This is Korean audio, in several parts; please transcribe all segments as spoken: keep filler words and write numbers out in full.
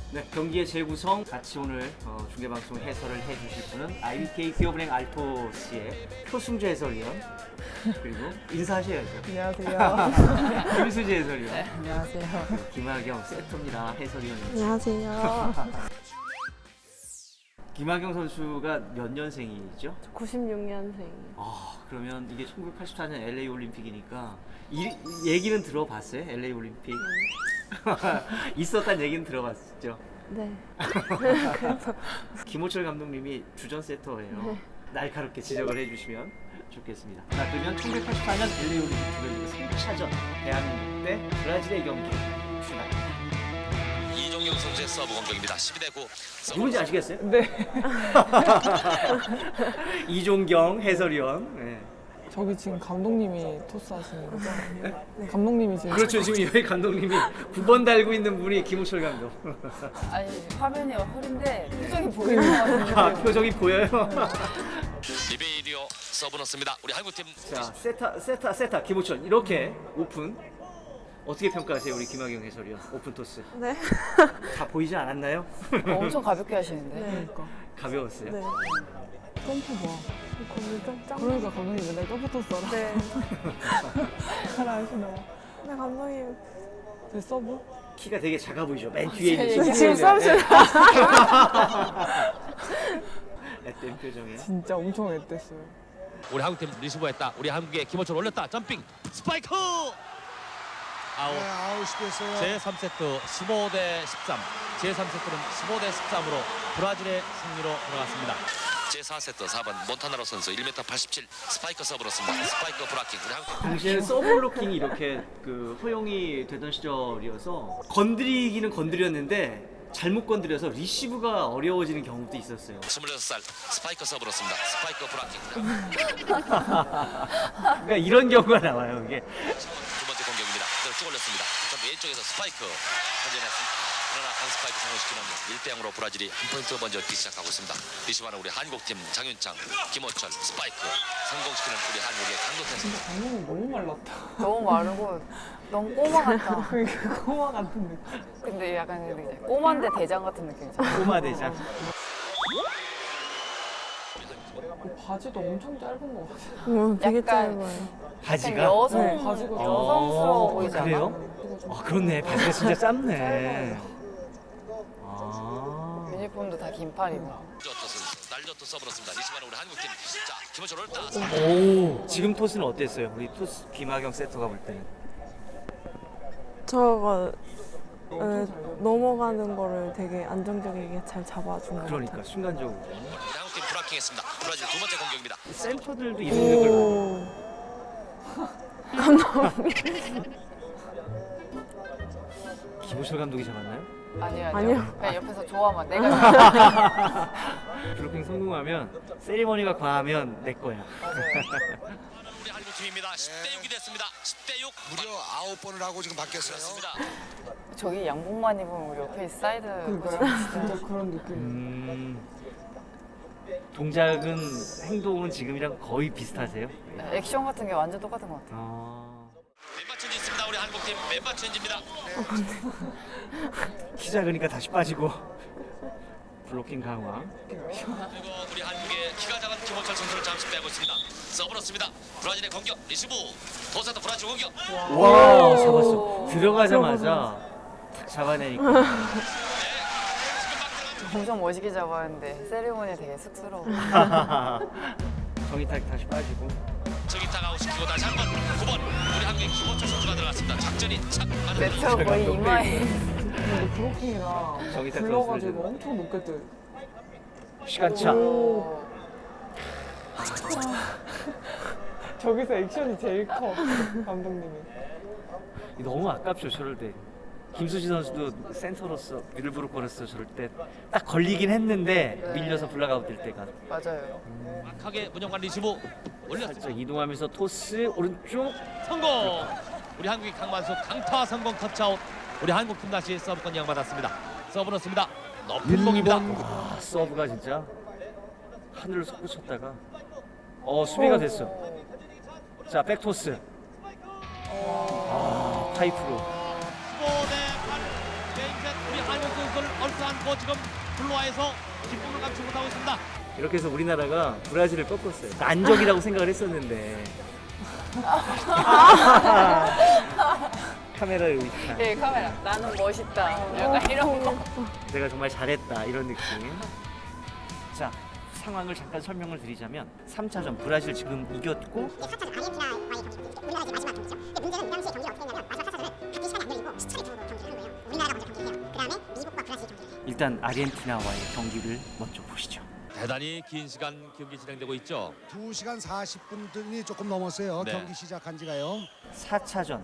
네, 경기의 재구성 같이 오늘 어, 중계방송 해설을 해주실 분은 아이비케이 기업은행 알토스의 표승주 해설위원 그리고 인사하셔야죠. 안녕하세요. 김수지 해설위원. 네, 안녕하세요. 김하경 세터입니다. 해설위원입니다. 안녕하세요. 김하경 선수가 몇 년생이죠? 구십육 년생. 아, 그러면 이게 천구백팔십사 년 엘에이 올림픽이니까 이, 얘기는 들어봤어요? 엘에이 올림픽? 있었단 얘기는 들어봤죠? 네. 김호철 감독님이 주전 세터예요. 네. 날카롭게 지적을 해주시면 좋겠습니다. 자, 그러면 천구백팔십사 년 엘에이 올림픽 주변 삼 차전 대한민국 대 브라질의 경기 출발합니다. 이종경 선수의 서브 공격입니다. 십이 대 구. 누군지 아시겠어요? 네. 이종경 해설위원. 네. 저기 지금 감독님이 토스 하시는 거죠? 네. 감독님이 지금 그렇죠. 지금 여기 감독님이 구 번 달고 있는 분이 김호철 감독. 아니 화면이 흐린데 표정이 보이는 것 같은데. 아, 표정이 보여요. 리베이리오 서브 넣습니다. 우리 한국팀. 자, 세타, 세타, 세타, 김호철 이렇게 오픈. 어떻게 평가하세요, 우리 김하경 해설위원? 오픈 토스. 네. 다 보이지 않았나요? 어, 엄청 가볍게 하시는데. 네. 가벼웠어요. 네. 점프 봐. 거기 좀 짱. 그러니까 감독님 맨날 점프 토스 하라. 네. 하라 하시나요? 네, 감독님. 제 서브? 키가 되게 작아 보이죠? 맨 뒤에 있는 지금 친구는. 서브 네. 앳된 표정에. 진짜 엄청 앳됐어요. 우리 한국팀 리시브했다. 우리 한국의 김호철 올렸다. 점핑 스파이크. 아웃. 네, 아웃이 됐어요. 제삼 세트 십오 대 십삼. 제삼 세트는 십오 대 십삼으로 브라질의 승리로 돌아갔습니다. 제사 세트 사 번 몬타나로 선수 일 미터 팔십칠 스파이크 서브로습니다. 스파이크 브라킹. 우리 한국 당시에는 서브블로킹이 이렇게 그 허용이 되던 시절이어서 건드리기는 건드렸는데 잘못 건드려서 리시브가 어려워지는 경우도 있었어요. 스물여섯 살 스파이크 서브로습니다. 스파이크 브라킹. 그러니까 이런 경우가 나와요, 이게. 두 번째 공격입니다. 그대로 쭉 올렸습니다. 전 왼쪽에서 스파이크 현재는 그러나 한 스파이크 성공시키는 일 대 영으로 브라질이 한 포인트 먼저 뛰기 시작하고 있습니다. 리시브하는 우리 한국팀 장윤창, 김호철 스파이크 성공시키는 우리 한국의 강도태 선수. 감독님 너무 말랐다. 너무 마르고 너무 꼬마 같다. 그러니까 꼬마 같은 느낌. 근데 약간 그 이제 꼬마인데 대장 같은 느낌이잖아. 꼬마 대장. 그 바지도 엄청 짧은 것 같아요. 음, 되게 약간- 짧아요. 바지가? 여성 네, 바지가 여성스러워 어, 보이지 않아? 그래요? 아, 그렇네. 바지가 진짜 짧네. 아. 유니폼도 다 긴팔이고. 날저트 선수 날저트 서브로습니다. 리시브하는 우리 한국팀. 자 김호철 올렸다. 오, 지금 토스는 어땠어요? 우리 토스 김하경 세터가 볼 때는. 저가 에, 넘어가는 거를 되게 안정적이게 잘 잡아준 것 그러니까 같아요. 순간적으로. 우리 한국팀 브라킹했습니다. 브라질 두 번째 공격입니다. 센터들도 이런 걸 봐요. 오. 감독님. 김호철 감독이 잡았나요? 아니요 아니요. 아니요. 그냥 옆에서 좋아만 내가. 블로킹 성공하면 세리머니가 과하면 내 거야. 우리 한국팀입니다. 십 대 육이 됐습니다. 십 대 육. 무려 아홉 번을 하고 지금 바뀌었어요. 그렇습니다. 저기 양복만 입으면 우리 옆에 사이드. 그러니까요. 진짜 그런 느낌. 음, 동작은 행동은 지금이랑 거의 비슷하세요? 액션 같은 게 완전 똑같은 것 같아. 아, 멤버 체인지 있습니다. 우리 한국팀 멤버 체인지입니다. 키 작으니까 다시 빠지고 블로킹 강화. 그리고 우리 한국의 키가 작은 김호철 선수를 잠시 빼고 있습니다. 서브로습니다. 브라질의 공격 리시브. 도사도 브라질 공격. 와, 잡았어. 들어가자마자 탁 잡아내니까. 엄청 멋있게 잡았는데 세리머니 되게 쑥스러워. 정의탁 다시 빠지고. 저기타가 아웃시키고 다시 한 번. 구 번. 우리 한국의 김호철 선수가 들어갔습니다. 작전이 착 맞은 내표 거의 이마에. 근데 브로킹이랑 저기 다 불러가지고 들었어요. 엄청 높게 뜨. 시간차. 오. 저기서 액션이 제일 커. 감독님이. 너무 아깝죠, 저럴 때. 김수지 선수도 센터로서 미들브로커로서 저럴 때 딱 걸리긴 했는데 밀려서 블락아웃 될 때가 맞아요. 막하게 문영관 리시브 올렸습니다. 살짝 이동하면서 토스 오른쪽. 성공. 우리 한국의 강만수 강타 성공 터치아웃. 우리 한국팀 다시 서브권 이양받았습니다. 서브 넣습니다. 높은 공입니다. 와, 서브가 진짜 하늘을 솟구쳤다가 어 수비가 됐어. 자, 백토스. 아, 파이프로. 십오 대 팔. 게임 셋. 우리 한국 선수를 얼싸 그리고 지금 블루아에서 기쁨을 감추지 못하고 있습니다. 이렇게 해서 우리나라가 브라질을 꺾었어요. 난적이라고 생각을 했었는데. 카메라에 의식한. 네, 카메라. 나는 멋있다. 약간 이런 거. 내가 정말 잘했다 이런 느낌. 자, 상황을 잠깐 설명을 드리자면 삼 차전 브라질 지금 이겼고 사 차전 아르헨티나와의 경기, 우리나라가 마지막 경기죠. 근데 문제는 이 당시에 경기가 어떻게 했냐면 마지막 사 차전을 각기 시간이 안 열리고 수차례 등으로 경기를 하는 거예요. 우리나라가 먼저 경기를 해요. 그 다음에 미국과 브라질이 경기를 해요. 일단 아르헨티나와의 경기를 먼저 보시죠. 대단히 긴 시간 경기 진행되고 있죠. 두 시간 사십 분이 조금 넘었어요. 네. 경기 시작한 지가요. 사 차전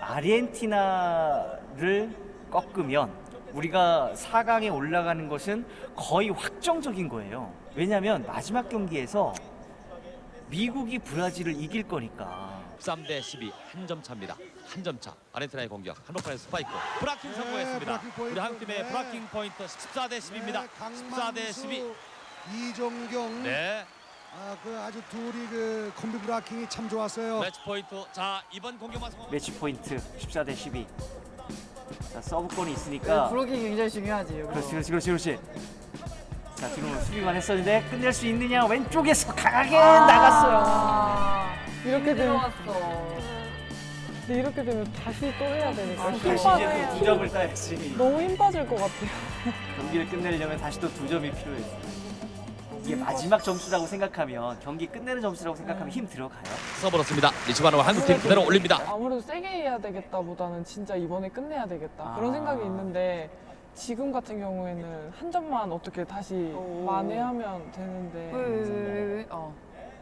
아르헨티나를 꺾으면 우리가 사 강에 올라가는 것은 거의 확정적인 거예요. 왜냐하면 마지막 경기에서 미국이 브라질을 이길 거니까. 삼 대 십이 한 점 차입니다. 한 점 차. 아르헨티나의 공격. 한복판의 스파이크. 브라킹 성공했습니다. 브라킹 포인트. 우리 한국팀의 네. 브라킹 포인트 십사 대 십입니다. 네, 십사 대 십이. 강만수, 이종경. 네. 아, 그 아주 둘이 그 콤비 브라킹이 참 좋았어요. 매치 포인트. 자, 이번 공격만 성공. 매치 포인트 십사 대 십이. 자, 서브권이 있으니까. 브로킹이 굉장히 중요하지. 이거. 그렇지, 그렇지, 그렇지, 그렇지. 자, 지금 수비만 했었는데 끝낼 수 있느냐? 왼쪽에서 강하게 나갔어요. 아, 이렇게 되면 들어왔어. 근데 이렇게 되면 다시 또 해야 되니까 힘 다시 빠져. 이제 또 두 점을 따야지. 너무 힘 빠질 것 같아요. 경기를 끝내려면 다시 또 두 점이 필요해요. 이게 마지막 점수라고 생각하면 경기 끝내는 점수라고 생각하면 힘 들어가요. 서브렇습니다. 리치바노와 한국팀 그대로 올립니다. 아무래도 세게 해야 되겠다보다는 진짜 이번에 끝내야 되겠다 그런 아. 생각이 있는데 지금 같은 경우에는 한 점만 어떻게 다시 오. 만회하면 되는데 왜, 왜, 왜, 왜? 어.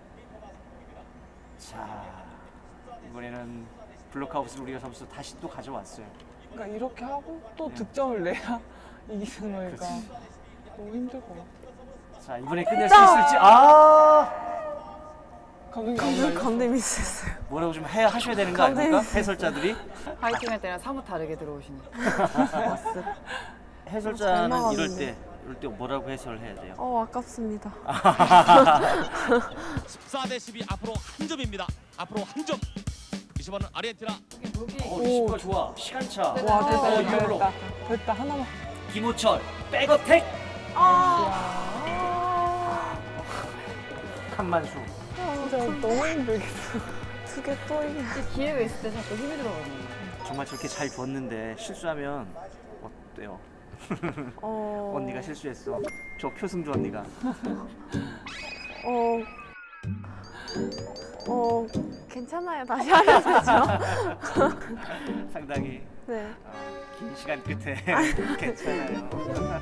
자, 이번에는 블록아웃을 우리가 점수 다시 또 가져왔어요. 그러니까 이렇게 하고 또 네. 득점을 내야 이기는 거니까 그렇지. 너무 힘들 것 같아. 자, 이번에 끝낼 수 있을지. 아, 감독님 안 감독 말렸어? 감독 미스했어요. 뭐라고 좀 해 하셔야 되는 거 아닙니까? 해설자들이. 파이팅 할 때랑 사뭇 다르게 들어오시네. 해설자는 잘 이럴 나가는데. 때 이럴 때 뭐라고 해설을 해야 돼요? 어 아깝습니다. 십사 대 십이 앞으로 한 점입니다. 앞으로 한 점. 리치바노 아르헨티나. 어, 리시브가 좋아. 시간차. 와 됐다 어, 됐다 유럽으로. 됐다 됐다 하나만. 김호철 백어택. 칸만수. 진짜 너무 힘들겠어. 두 개 또 이게. 기회가 있을 때 자꾸 힘이 들어가네. 정말 저렇게 잘 줬는데 실수하면 어때요? 어. 언니가 실수했어. 저 표승주 언니가. 어. 어 괜찮아요. 다시 하면 되죠. 상당히 네. 어, 긴 시간 끝에 괜찮아요.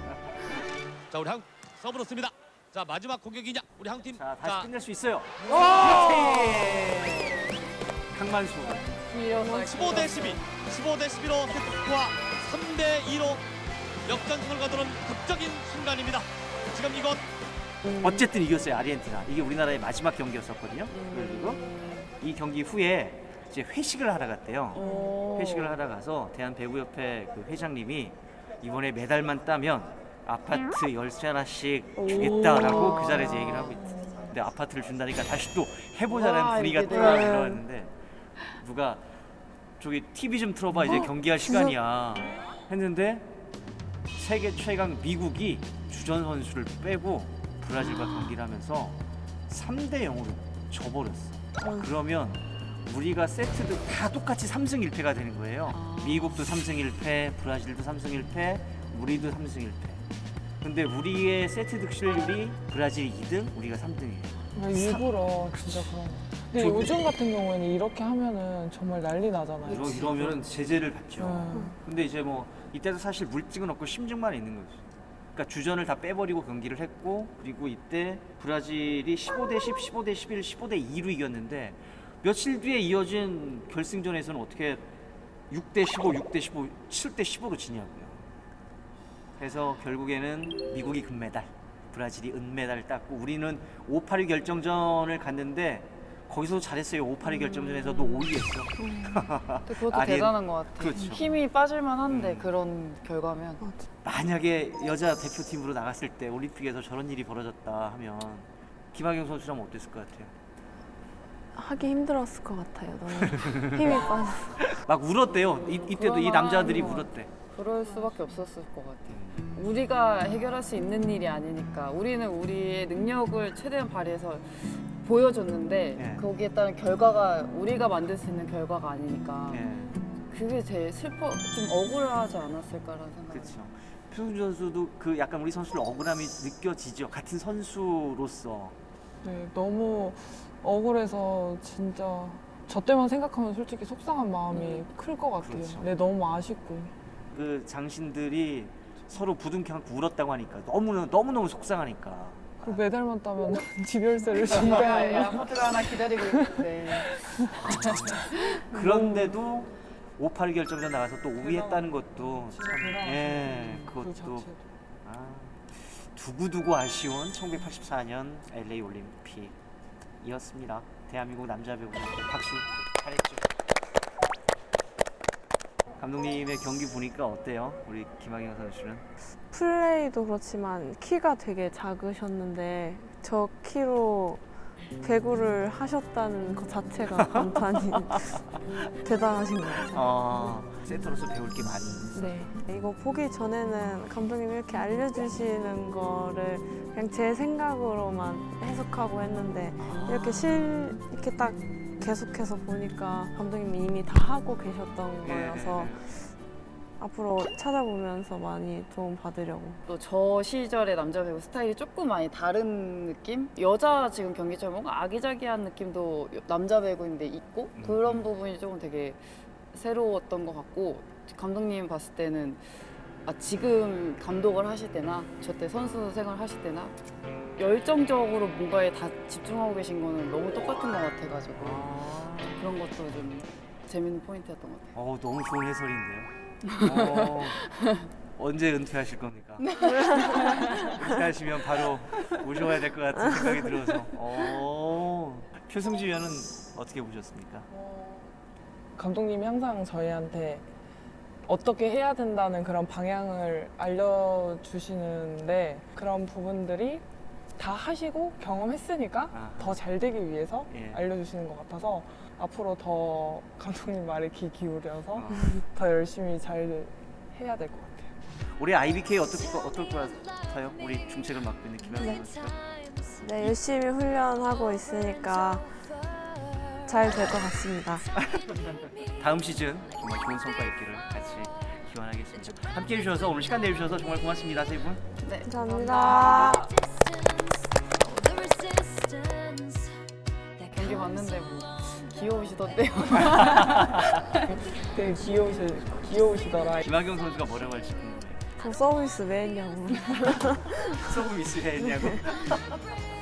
자, 우리 한국 서브렇습니다. 자, 마지막 공격이냐? 우리 한국팀. 자, 다시 끝낼 수 있어요. 와! 그렇지. 강만수. 십오 대 십이. 십오 대 십이로 세트스코어 삼 대 이로 역전승을 거두는 극적인 순간입니다. 지금 이건 어쨌든 이겼어요, 아르헨티나. 이게 우리나라의 마지막 경기였었거든요. 그리고 이 경기 후에 이제 회식을 하러 갔대요. 오. 회식을 하러 가서 대한배구협회 그 회장님이 이번에 메달만 따면 아파트 열쇠 하나씩 주겠다라고 그 자리에서 얘기를 하고 있대. 근데 아파트를 준다니까 다시 또 해보자는 와, 분위기가 이게 또 네. 들어왔는데 누가 저기 티비 좀 틀어봐 이제 경기할 시간이야 했는데 세계 최강 미국이 주전 선수를 빼고 브라질과 경기를 하면서 삼 대 영으로 져버렸어. 그러면 우리가 세트도 다 똑같이 삼 승 일 패가 되는 거예요. 미국도 삼 승 일 패, 브라질도 삼 승 일 패, 우리도 삼 승 일 패. 근데 우리의 세트 득실률이 브라질이 이 등, 우리가 삼 등이에요. 그러니까 일부러 진짜 그런 거. 근데 저- 요즘 같은 경우에는 이렇게 하면은 정말 난리 나잖아요. 이러, 이러면은 제재를 받죠. 음. 근데 이제 뭐 이때도 사실 물증은 없고 심증만 있는 거죠. 그러니까 주전을 다 빼버리고 경기를 했고 그리고 이때 브라질이 십오 대 십, 십오 대 십일, 십오 대 이로 이겼는데 며칠 뒤에 이어진 결승전에서는 어떻게 육 대 십오, 육 대 십오, 칠 대 십오로 지냐고요. 그래서 결국에는 미국이 금메달, 브라질이 은메달을 땄고 우리는 오, 팔 위 결정전을 갔는데 거기서 잘했어요. 오, 팔 위 결정전에서도 오 위했어. 근데 그것도 아니, 대단한 것 같아. 그렇죠. 힘이 빠질만한데 음. 그런 결과면. 만약에 여자 대표팀으로 나갔을 때 올림픽에서 저런 일이 벌어졌다 하면 김학영 선수라면 어땠을 것 같아요? 하기 힘들었을 것 같아요. 너무 힘이 빠져. 막 울었대요. 이, 이때도 이 남자들이 울었대. 그럴 수밖에 없었을 것 같아요. 우리가 해결할 수 있는 일이 아니니까 우리는 우리의 능력을 최대한 발휘해서 보여줬는데 예. 거기에 따른 결과가 우리가 만들 수 있는 결과가 아니니까 예. 그게 제일 슬퍼 좀 억울하지 않았을까라는 생각이 그렇죠. 표승주 선수도 그 약간 우리 선수들 억울함이 느껴지죠. 같은 선수로서. 네, 너무 억울해서 진짜 저 때만 생각하면 솔직히 속상한 마음이 클 것 같아요. 그렇죠. 네, 너무 아쉽고. 그 장신들이 서로 부둥켜 안고 울었다고 하니까 너무 너무 너무 속상하니까. 그 메달만 따면 지별세를 야, 준다는 아파트가 하나 기다리고 있는데 그런데도 오, 팔 결정전 나가서 또 오 위 했다는 것도 진짜 참, 대단하시네요. 예, 그 그것도 자체도. 아, 두고두고 아쉬운 천구백팔십사 년 엘에이 올림픽이었습니다. 대한민국 남자 배구 박수 잘했죠. 감독님의 경기 보니까 어때요? 우리 김학영 선수는? 플레이도 그렇지만 키가 되게 작으셨는데 저 키로 배구를 하셨다는 것 자체가 감탄이 대단하신 것 같아요. 어, 센터로서 배울 게 많이. 네, 이거 보기 전에는 감독님이 이렇게 알려주시는 거를 그냥 제 생각으로만 해석하고 했는데 이렇게 실 이렇게 딱 계속해서 보니까 감독님이 이미 다 하고 계셨던 거여서 앞으로 찾아보면서 많이 도움 받으려고. 또 저 시절의 남자 배구 스타일이 조금 많이 다른 느낌? 여자 지금 경기처럼 뭔가 아기자기한 느낌도 남자 배구인데 있고 그런 부분이 조금 되게 새로웠던 것 같고 감독님 봤을 때는 아, 지금 감독을 하실 때나 저 때 선수 생활 하실 때나 열정적으로 뭔가에 다 집중하고 계신 거는 너무 똑같은 것 같아가지고 아, 그런 것도 좀 재밌는 포인트였던 것 같아요. 어, 너무 좋은 해설인데요. 어, 언제 은퇴하실 겁니까? 은퇴하시면 바로 모셔와야 될 것 같은 생각이 들어서. 어, 표승주 위원은 어떻게 보셨습니까? 감독님이 항상 저희한테 어떻게 해야 된다는 그런 방향을 알려주시는데 그런 부분들이 다 하시고 경험했으니까 아하. 더 잘 되기 위해서 예. 알려주시는 것 같아서 앞으로 더 감독님 말에 귀 기울여서 어. 더 열심히 잘 해야 될 것 같아요. 올해 아이비케이 어떨 거 어떨 것 같아요? 우리 중책을 맡고 있는 김학영 네. 선수가. 네, 열심히 훈련하고 있으니까 잘 될 것 같습니다. 다음 시즌 정말 좋은 성과 있기를 같이 기원하겠습니다. 함께해 주셔서 오늘 시간 내주셔서 정말 고맙습니다, 세 분. 네, 감사합니다. 경기 봤는데 뭐 귀여우시던데요. 되게 귀여우시, 귀여우시더라. 김학영 선수가 뭐라고 할지 궁금해요. 저 서비스 왜 했냐고. 소금 이수해 했냐고.